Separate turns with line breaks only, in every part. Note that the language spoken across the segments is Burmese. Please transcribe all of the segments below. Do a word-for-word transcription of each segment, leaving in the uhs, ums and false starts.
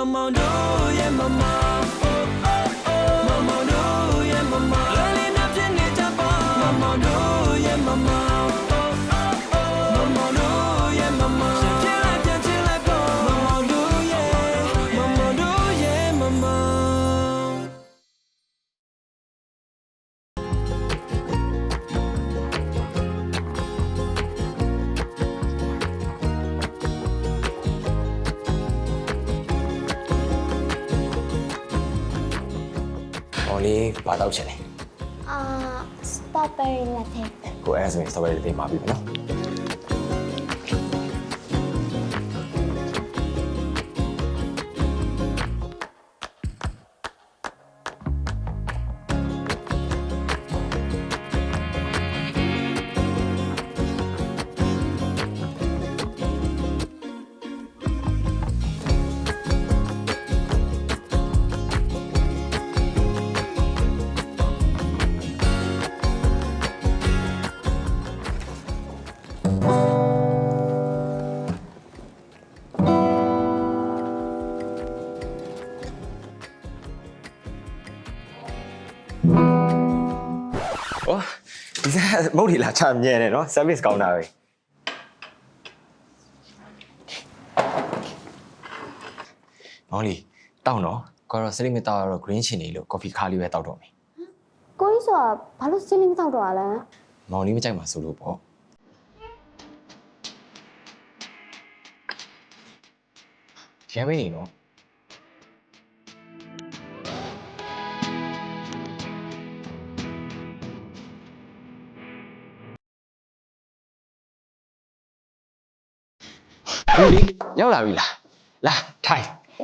Mama do yeah mama oh oh oh Mama do yeah mama Lali na pini japa Mama do yeah mama oh oh oh Mama do yeah mama Chill like yeah chill like go Mama do yeah Mama do yeah mama
လေးဘာတော့ချင်လဲ
အာစတော်ဘယ်ရီလက်ထဲ
ကိုအဲ့ဒါဆိုရင်စတော်ဘယ်ရီလေးမှာပြီနော်哦，ဒီစားမဟုတ်ဒီလားချာမြဲတယ်နော် service ကောင်းတာပဲမောင်လေးတောက်နော်ကိုတော့စလိမတောက်ရတော့ green ချင်နေလို့ coffee ခါလေးပဲတောက်တော့မယ်
ကိုကြီးဆိုတာဘာလို့စင်းနေမတော့တော့လဲ
မောင်လေးမကြိုက်မှာဆိုလို့ပေါ့ရမ်းမနေနော်ဦးလေးရောက်လာပြီလားလာထိုင်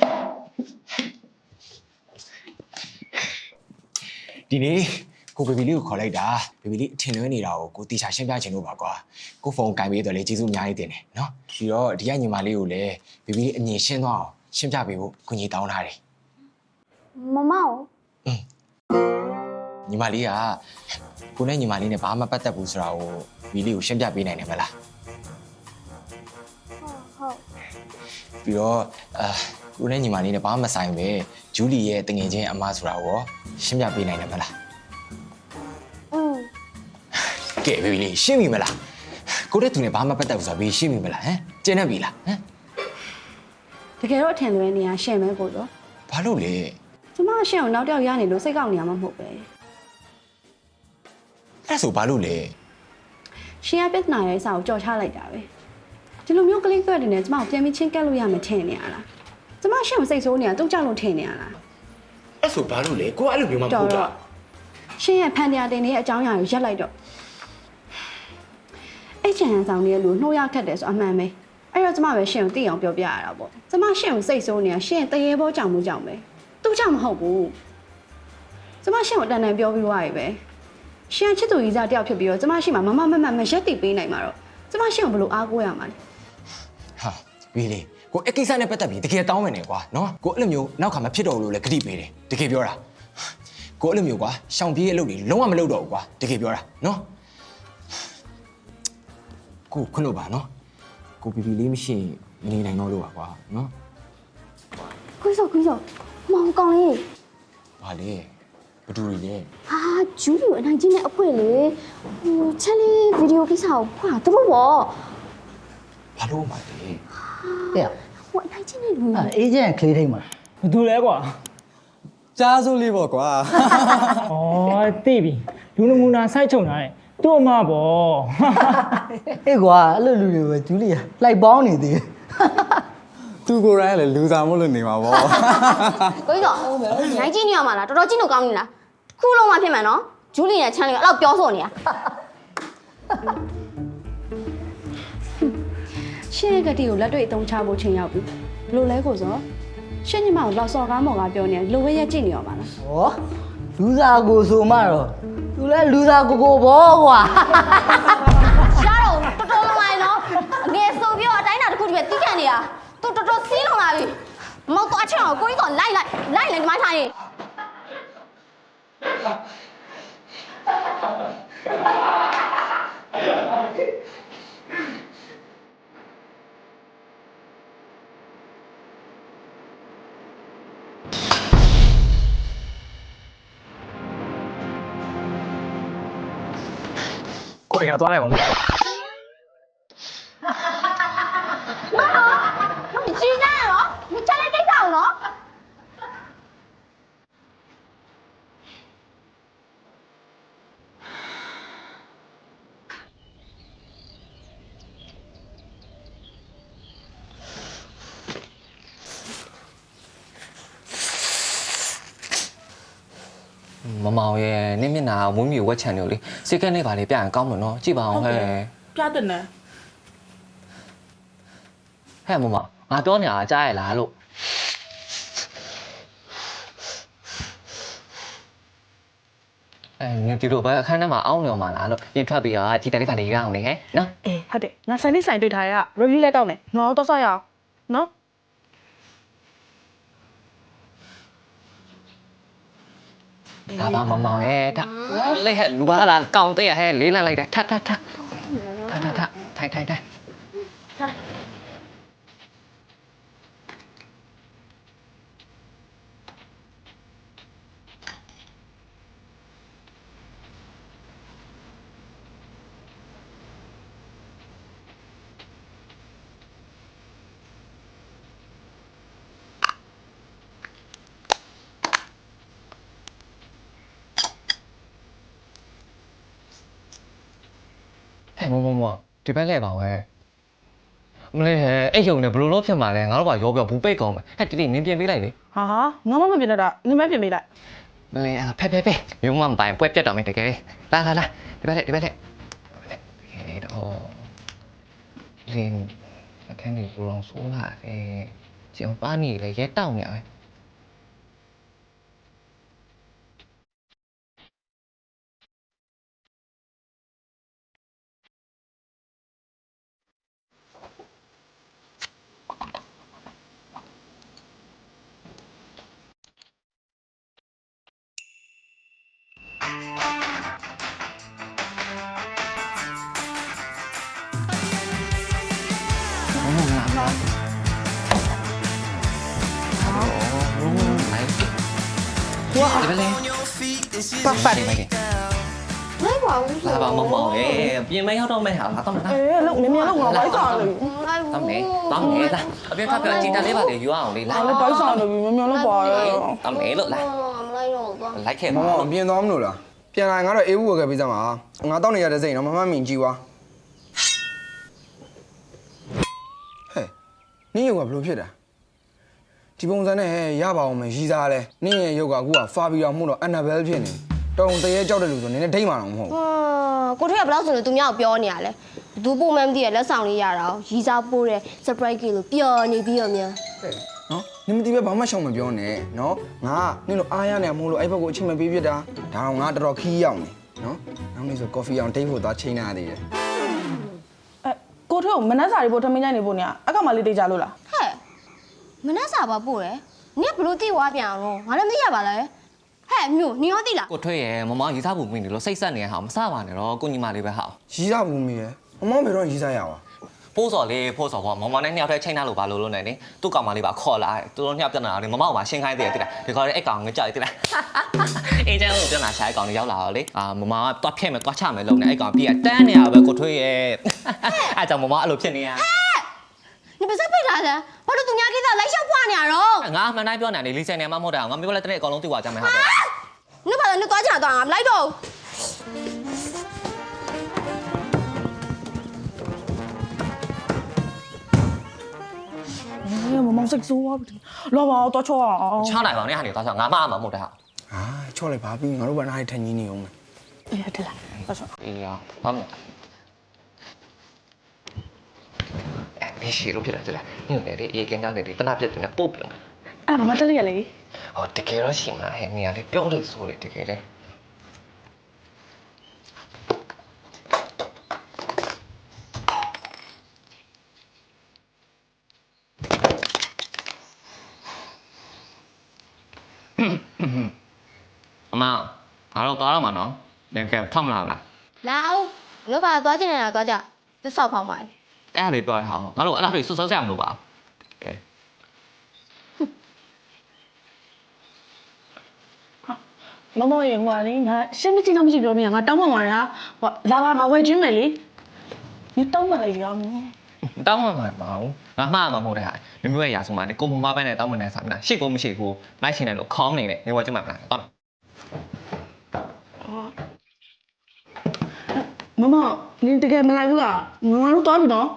ဒီနေ့ကိုဘေဘီလေးကိုခေါ်လိုက်တာဘေဘီလေးအထင်လွဲနေတာကိုကိုတီချာရှင်းပြချင်လို့ပါကွာကိုဖုန်းကင်ပေးတော့လေကျေးဇူးအများကြီးတင်တယ်နော်ပြီးတော့ဒီကညီမလေးကိုလည်းဘေဘီလေးအမြင်ရှင်းသွားအောင်ရှင်းပြပေးဖို့ကိုကြီးတောင်းထားတယ်
မမောင်
อืมညီမလေးကကိုနဲ့ညီမလေးနဲ့ဘာမှပတ်သက်ဘူးဆိုတာကိုဘီလေးကိုရှင်းပြပေးနိုင်တယ်မလားပြီးတော့အာကိုနဲ့ညီမလေးနဲ့ဘာမှမဆိုင်ပဲဂျူလီရဲ့တငယ်ချင်းအမဆိုတာကိုရှင်းပြပေးနိုင်တယ်မလား
อืม
ကဲဘေဘီလေးရှင်းပြီမလားကိုတဲ့သူနဲ့ဘာမှပတ်သက်ဘူးဆိုတာဘေးရှင်းပြီမလားဟမ်ကျင်းနေပြီလားဟမ်
တကယ်တော့အထင်လွဲနေရရှင့်မဲကိုတော့
ဘာလို့လဲ
ကျမရှင့်ကိုနောက်တစ်ယောက်ရနေလို့စိတ်ကောက်နေရမှာမဟုတ်ပဲ
အဲ့ဆိုဘာလို့လဲ
ရှင်ကပြဿနာရဲ့အစားကိုကြော်ချလိုက်တာပဲဒီလိုမျိုးကလေးကွက်တွေနဲ့ကျမကိုပြန်ပြီးချင်းကက်လို့ရမယ်ထင်နေရလားကျမရှင့်ကိုစိတ်ဆိုးနေတာသူ့ကြောက်လို့ထင်နေရလား
အဲ့ဆိုဘာလို့လဲကိုကအဲ့လိုမျိုးမှမဟုတ်တာ
ရှင်ရဲ့ဖန်တရားတင်နေတဲ့အကြောင်းအရာကိုရက်လိုက်တော့အဲ့ချန်ဆောင်နေတဲ့လူနှိုးရခတ်တယ်ဆိုအမှန်ပဲအဲ့တော့ကျမပဲရှင်ကိုသိအောင်ပြောပြရတာပေါ့ကျမရှင်ကိုစိတ်ဆိုးနေတာရှင်တရေဘောကြောင်မှုကြောင်ပဲသူ့ကြောင့်မဟုတ်ဘူးကျမရှင်ကိုတန်တန်ပြောပြီးသွားပြီပဲရှင်ချစ်သူကြီးစားတယောက်ဖြစ်ပြီးတော့ကျမရှင်မှာမမမမမရက်တည်ပေးနိုင်မှာတော့ကျမရှင်ကိုဘယ်လိုအားကိုးရမှာလဲ
ဟာဘီလေးကိုအကိစ္စနဲ့ပတ်သက်ပြီးတကယ်တောင်းမယ်နေကွာနော်ကိုအဲ့လိုမျိုးနောက်ခါမဖြစ်တော့ဘူးလို့လည်းဂတိပေးတယ်တကယ်ပြောတာကိုအဲ့လိုမျိုးကွာရှောင်ပြေးအလုပ်တွေလုံးဝမလုပ်တော့ဘူးကွာတကယ်ပြောတာနော်ကိုခွန်းလို့ပါနော်ကိုဘီဘီလေးမရှိမနေနိုင်တော့လို့ပါကွာနော်
ကိုကြီးဆိုကိုကြီးဆိုမောင်ကောင်လေး
ဘာလဲဘဒူရီလဲ
ဟာဂျူလီကိုအနိုင်ကြီးနဲ့အဖွဲလေဟိုချက်လေးဗီဒီယိုကိစ္စကိုဖွာသူတို့ပေါ့
ဘာလို့မှလဲ
တဲ့
ဟိုအနိုင်ကြီးနဲ့လူ
အဲအေဂျင့်ကလေးထိတ်မှာ
ဘယ်သူလဲကွာ
ကြားစိုးလေးပေါ့ကွာ
ဩသိပြီလူနမူနာစိုက်ချုံထားတယ်သူ့အမပေါ့
အေးကွာအဲ့လိုလူတွေပဲဂျူလီယာလိုက်ပေါင်းနေသေးတယ်
သူကိုယ်တိုင်လည်းလူစားမို့လို့နေမှာပေါ့
ကိုကြီးတော့နိုင်ကြီးနေရမှာလားတော်တော်ကြီးလို့ကောင်းနေလားခုလုံးမှဖြစ်မှာနော်ဂျူလီနဲ့ချန်လေးကအဲ့လောက်ပြောဆိုနေတာ
ရှင်ရဲ့ကတိကိုလက်တွေ့အသုံးချဖို့ချိန်ရောက်ပြီဘယ်လိုလဲကိုစောရှင်ညီမကိုလောက်စော်ကားမော်ကားပြောနေလိုပဲရက်ကြည့်နေရပါလား
ဟောလူစားကိုဆိုမှတော့သူလဲလူစားကိုကိုဘောကွာ
ရှားတော့တော်တော်လုံးလိုက်နော်အငယ်ဆိုပြီးတော့အတိုင်းတာတစ်ခုတည်းပဲတီးကန်နေတာသူတော်တော်စီးလုံလာပြီမောက်သွားချင်အောင်ကိုကြီးကလိုက်လိုက်လိုက်လိုက်ဒီမှာထိုင်
ကိုရသွားလိုက်ပါဦး
你鸡蛋了？你站在地上了？
မမောင်ရဲ့နင်းမျက်နှာဝင်းမြူဝက်ချန်တယ်လေစိတ်ကနေပါလေပြန်ကောင်းလို့နော်ကြည့်ပါအောင်ဟဲ့
ပြတ်တယ်နဲ့
ဟဲ့မမငါပြောနေတာကြားရလားလို့အဲနင်ဒီလိုပဲအခန်းထဲမှာအောင်းနေအောင်မလားလို့ပြင်ထွက်ပြီးတော့ဒီတိုင်လေးပါလေရအောင်လေဟဲ့နော်
အေးဟုတ်တယ်ငါဆိုင်လေးဆိုင်တွေ့ထားရ review လဲကောင်းတယ်ငါတော့ဆောက်ရအောင်နော်
ဒါပါမမောင်ရဲ့ဒါလေဟဲ့လူပါလားကောင်းတဲ့ဟဲ့လေးလိုက်လိုက်တယ်ထထထထထထထိုင်ထိုင်ထိုင် ဟဲ့မမမဒီဘက်လဲပါဝဲမလေးဟဲ့အဲ့ယုံနဲ့ဘလို့လို့ဖြစ်မှာလဲငါတို့ကရောပြောဘူးပိတ်ကောင်းမယ်ဟဲ့တီတီနင်းပြင်ပေးလိုက်လေ
ဟာဟာငါမမပြင်တော့တာနင်မပြင်ပေးလိုက်
မလေးအဲ့ဖက်ဖက်ဖက်မျိုးမမပိုင်ပွဲပြတ်တော်မယ်တကယ်လာလာလာဒီဘက်လက်ဒီဘက်လက်တကယ်တော့လင်းအခန်းကြီးဘလောင်ဆိုးလာတယ်ကျန်ပါနေလေရဲတောက်နေရပဲ 哇！你们嘞？八八年买的。
လိုက်ပါဦး
လာပါမမောင်ရေပြင်မရောက်တော့မဲ့ဟာလာတော့မလား
အေးလုံမြင်မြင်လုံငါဘိုက်ဆောင်လို့
လိုက်
တောင်းနေတောင်းနေလားအပြင်ဖက်ကကြည်တလေးပါလေယူအောင်လေလာ
ငါလည်းဘိုက်ဆောင်လို့မြင်မြင်လုံပါရဲ့
တောင်းနေလို့လာ
မလိုက်တော့တော့
လိုက်ခဲ့
မ
ပါ
မအပြင်သွားမလို့လားပြန်လာငါတော့အေးဘူးဝယ်ခဲ့ပေးစမ်းပါငါတောက်နေရတဲ့စိတ်တော့မမမင်ကြည့်ွာဟဲ့နင်းရုပ်ကဘလို့ဖြစ်တာဒီပုံစံနဲ့ဟဲ့ရပါအောင်မယ်ရီးစားလဲနင်းရဲ့ရုပ်ကအခုကဖာဘီအောင်မှုတော့အန်နာဘဲဖြစ်နေတုံတရေကြောက်တဲ့လူဆိုနင်းနဲ့ဒိတ်မှတော့မဟုတ်
ဟာကိုထွေးကဘယ်လောက်ဆိုလို့သူများကိုပြောနေရလဲဘသူပုံမှန်မသိရလက်ဆောင်လေးရတာရီစားပိုးတဲ့ surprise ကြီးလို့ပျော်နေပြီးတော့မြန်
နော်နင်းမတီးပဲဘာမှရှောင်မပြောနဲ့နော်ငါနင်းတို့အားရနေမို့လို့အဲ့ဘက်ကိုအချိန်မပေးပြတာဒါတော့ငါတော်တော်ခီးရောက်နေနော်နောက်နေ့ဆိုကော်ဖီအောင်ဒိတ်ဖို့သွားချိန်နေရသေးတယ်
အဲကိုထွေးကိုမနှက်စာတွေပို့ထမင်းကြိုင်နေပို့နေရအကောင်မလေးတိတ်ကြလို့လား
ဟဲ့မနှက်စာပါပို့တယ်နင်ကဘလို့တိဝါပြန်အောင်ငါလည်းမသိရပါလားဟဲ့မြို့နင်ရောသိလား
ကိုထွေးရမမောင်ရေးစားဖို့မင်းနေလို့စိတ်ဆက်နေရဟာမစပါနဲ့တော့ကိုညီမလေးပဲဟာ
ရီးစားဘူးမီးရဲ့မမောင်ဘယ်တော့ရီးစားရအောင်
ဖိုးစော်လေးဖိုးစော်ပေါ့မမောင်နဲ့နှစ်ယောက်တည်းချိန်ထားလို့ပါလို့လို့နေနေသူ့ကောင်မလေးပါခေါ်လာသူတို့နှစ်ယောက်ပြန်လာတယ်မမောင်ကရှင်းခိုင်းသေးတယ်တိလားဒီကောင်လေးအဲ့ကောင်ငကြိုက်တိလားအေးကျန်ကိုပြန်လာရှာအဲ့ကောင်လေးရောက်လာတော့လေအာမမောင်ကတွားဖြဲ့မယ်တွားချမယ်လို့နေအဲ့ကောင်ပြီးကတန်းနေရပဲကိုထွေးရဲ့အဲ့ကြောင့်မမောင်အဲ့လိုဖြစ်နေရ
你别再背来了，我这东家给他来小花呢喽。
ငါမှန်တိုင်းပြောနေတယ်လီဆယ်နေမှမဟုတ်တာငါမျိုးလည်းတနေ့အကောင်လုံးသိသွားကြမယ်ဟာ
你把人家多少钱多少？来着。
အေးမမောင်စိတ်ဆိုးသွားပြီလာပါတော့ချောအောင်
ချနိုင်ပါနဲ့ဟာနေသွားချငါမှအမှမဟုတ်တာဟာ
အာချော့လိုက်ပါပြီငါတို့ဘာနားထိုင်ကြီးနေအောင်မယ်
အေးဟုတ်တယ်လားတော့ချော
အေးရဘာမအဲ့ဒီရှိလို့ဖြစ်တယ်လေညနေလေအေးကင်းကန်းနေတယ်တနာပြတ်တယ်ပုတ်ပြန်
အဲ့ဘာမှတက်ရလေ
ဟောတကယ်တော့ရှိမှာဟဲ့နေရာလေးပြောလို့ဆိုလေတကယ်လေအမငါတော့သွားတော့မှာနော်လင်ကဲထောက်မလာလား
来哦，你把多少钱来多少？这少跑嘛？
အဲ့ဒါလေးပြောရအောင်ငါတို့အဲ့ဒါတွေစွတ်စွတ်ဆက်မလို့ပါကဲ
ရမမောရေဟိုကလေငါရှင်းမကြည့်တော့မရှိပြောမိရငါတောင်းပန်ပါရဟိုလာပါငါဝယ်ချင်းမယ်လေ你တောင်းပန်လိုက်ရော
တောင်းမှမှာမအောင်ငါမှားမှာမဟုတ်တဲ့ဟာမျိုးမျိုးရဲ့ရာဆုံးမှာနေကိုမမပိုင်းနဲ့တောင်းမနေစားမလားရှစ်ကိုမရှိကိုလိုက်ရှင်တယ်လို့ခေါင်းနေတယ်နေဝကျမမလားတောင်း
မမနင်တကယ်မလိုက်ဘူးလားငါတို့သွားပြီနော်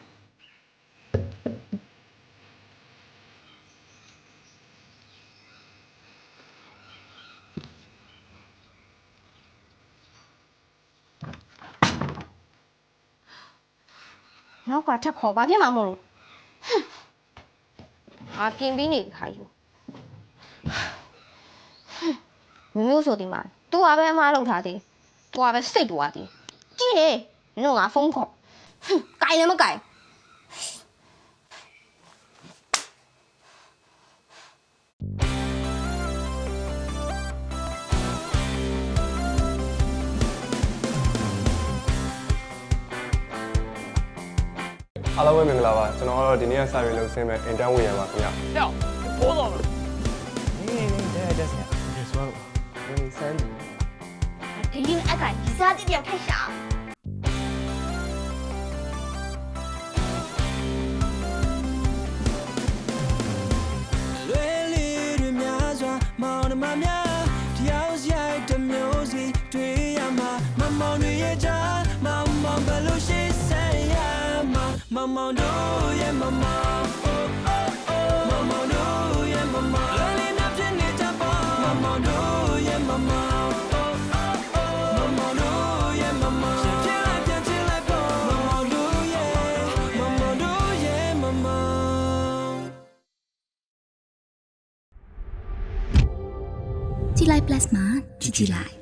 နောက်ကထက်ခေါ်ဘာဖြစ်မှာမလို့ငါပြင်ပြီးနေခါယူမျိုးဆိုဒီမှာ तू ကပဲအမားလောက်ထားသေး तू ကပဲစိတ်သွားသေးကြည့်လေနင်တို့ငါဖုန်းခေါ်ကြိုင်လည်းမကြိုင်
အားလုံးပဲမင်္ဂလာပါကျွန်တော်ကတော့ဒီနေ့ကစာရေးလို့ဆင်းမဲ့ intern ဝင်ရပါခင်ဗျာ
ပိုးတော့နေနေတဲ့တဲ့ဆရာဒီဆိုတော့ဝင်စမ်း
ဒီရင်အကဒီစားတိပြောက်ထိုက်ရှာ
လွယ်လေးတွေများစွာမောင်နှမများတယောက်ရိုက်တစ်မျိုးစီတွေ့ရမှာမမောင်တွေရဲ့ကြားမောင်မောင်ဘယ်လိုရှိစဲရမှာမမောင်တို့ရဲ့မမောင် မမောင်တို့ရဲ့မမောင်လွယ်လေးနဲ့ဖြစ်နေကြပါမမောင်တို့ရဲ့မမောင် မမောင်တို့ရဲ့မမောင်ပြန်လိုက်ပြန်ချင်လိုက်ပေါ့မမောင်တို့ရဲ့မမောင်တို့ရဲ့မမောင်
ကြည်လိုက် plus မှာကြည်ကြည်လိုက်